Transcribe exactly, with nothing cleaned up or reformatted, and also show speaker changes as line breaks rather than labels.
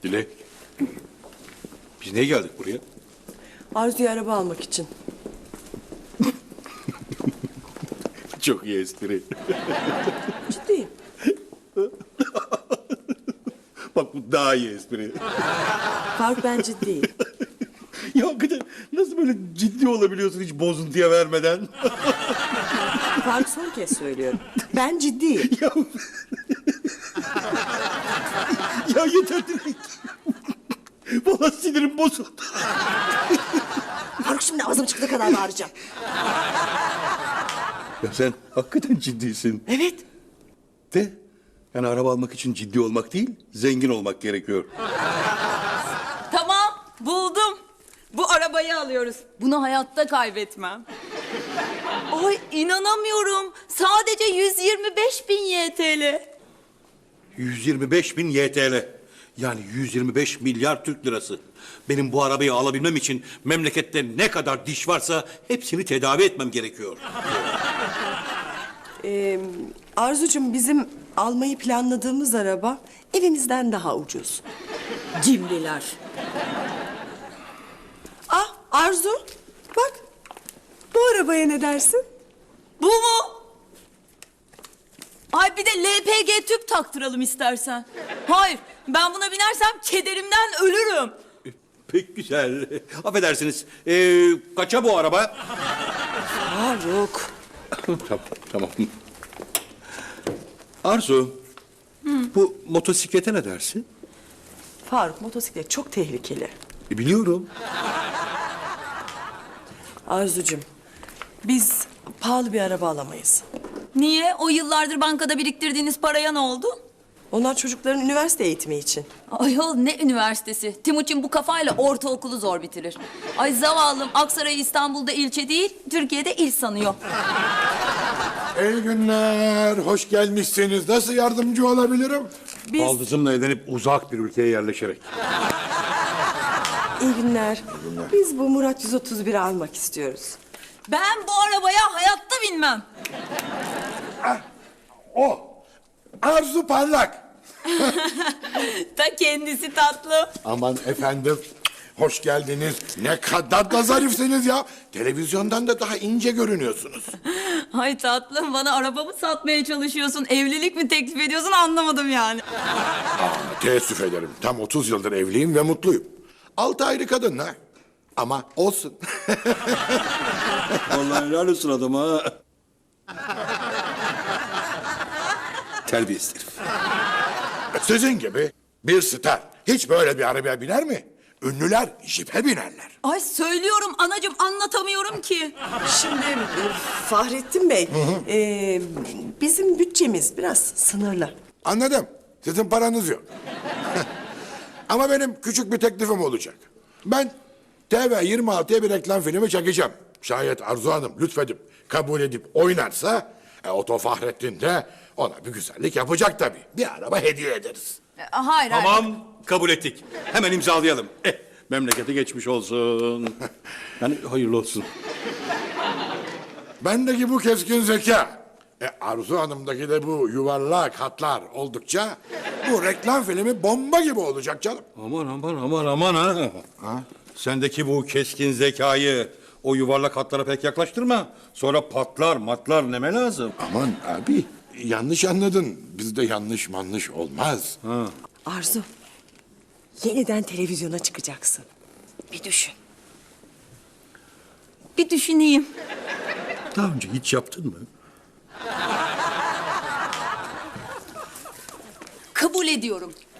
Dilek. Biz niye geldik buraya?
Arzu'ya araba almak için.
Çok iyi espri.
Ciddiyim.
Bak bu daha iyi espri.
Faruk ben ciddiyim.
Ya hakikaten nasıl böyle ciddi olabiliyorsun hiç bozuntuya vermeden?
Faruk son kez söylüyorum. Ben ciddiyim.
ya... ya yeter Dilek. Vallahi sinirim bozuldu.
Faruk şimdi ağzım çıktığı kadar bağıracağım.
Ya sen hakikaten ciddisin.
Evet.
De yani araba almak için ciddi olmak değil, zengin olmak gerekiyor.
Tamam, buldum. Bu arabayı alıyoruz. Bunu hayatta kaybetmem. Ay inanamıyorum. Sadece yüz yirmi beş bin Y T L.
yüz yirmi beş bin Y T L. Yani yüz yirmi beş milyar Türk lirası. Benim bu arabayı alabilmem için memlekette ne kadar diş varsa hepsini tedavi etmem gerekiyor.
Ee, Arzucuğum bizim almayı planladığımız araba evimizden daha ucuz.
Cimriler.
Ah Arzu bak bu arabaya ne dersin?
Bu mu? Ay bir de L P G tüp taktıralım istersen. Hayır, ben buna binersem kederimden ölürüm.
Pek güzel. Affedersiniz. Ee, kaça bu araba?
Faruk.
tamam, tamam. Arzu, bu motosiklete ne dersin?
Faruk motosiklet çok tehlikeli.
E, biliyorum.
Arzucuğum biz pahalı bir araba alamayız.
Niye? O yıllardır bankada biriktirdiğiniz paraya ne oldu?
Onlar çocukların üniversite eğitimi için.
Ayol ne üniversitesi? Timuçin bu kafayla ortaokulu zor bitirir. Ay zavallım Aksaray İstanbul'da ilçe değil, Türkiye'de il sanıyor.
İyi günler, hoş gelmişsiniz. Nasıl yardımcı olabilirim?
Biz
Baldızımla evlenip uzak bir ülkeye yerleşerek.
iyi günler. Biz bu Murat yüz otuz biri almak istiyoruz.
Ben bu arabaya hayatta binmem.
O, Arzu Parlak.
Ta kendisi tatlı.
Aman efendim, hoş geldiniz. Ne kadar da zarifsiniz ya. Televizyondan da daha ince görünüyorsunuz.
Ay tatlım bana arabamı satmaya çalışıyorsun. Evlilik mi teklif ediyorsun anlamadım yani.
Aa, teessüf ederim. Tam otuz yıldır evliyim ve mutluyum. Altı ayrı kadınla. Ama olsun.
Vallahi helal olsun adama ha. Terbiyesiz herif.
Sizin gibi bir star hiç böyle bir arabaya biner mi? Ünlüler jipe binerler.
Ay söylüyorum anacığım anlatamıyorum ki.
Şimdi e, Fahrettin Bey, e, bizim bütçemiz biraz sınırlı.
Anladım. Sizin paranız yok. Ama benim küçük bir teklifim olacak. Ben T V yirmi altıya bir reklam filmi çekeceğim. Şayet Arzu Hanım lütfedip kabul edip oynarsa... E, Oto Fahrettin de ona bir güzellik yapacak tabii. Bir araba hediye ederiz.
Hayır hayır.
Tamam, kabul ettik. Hemen imzalayalım. Eh, memlekete geçmiş olsun. Yani hayırlı olsun.
Bendeki bu keskin zeka, e, Arzu Hanım'daki de bu yuvarlak hatlar oldukça... ...bu reklam filmi bomba gibi olacak canım.
Aman aman aman aman ha. ha? Sendeki bu keskin zekayı o yuvarlak hatlara pek yaklaştırma. Sonra patlar matlar neme lazım.
Aman abi, yanlış anladın. Bizde yanlış manlış olmaz.
Ha.
Arzu, yeniden televizyona çıkacaksın. Bir düşün.
Bir düşüneyim.
Daha önce hiç yaptın mı?
Kabul ediyorum.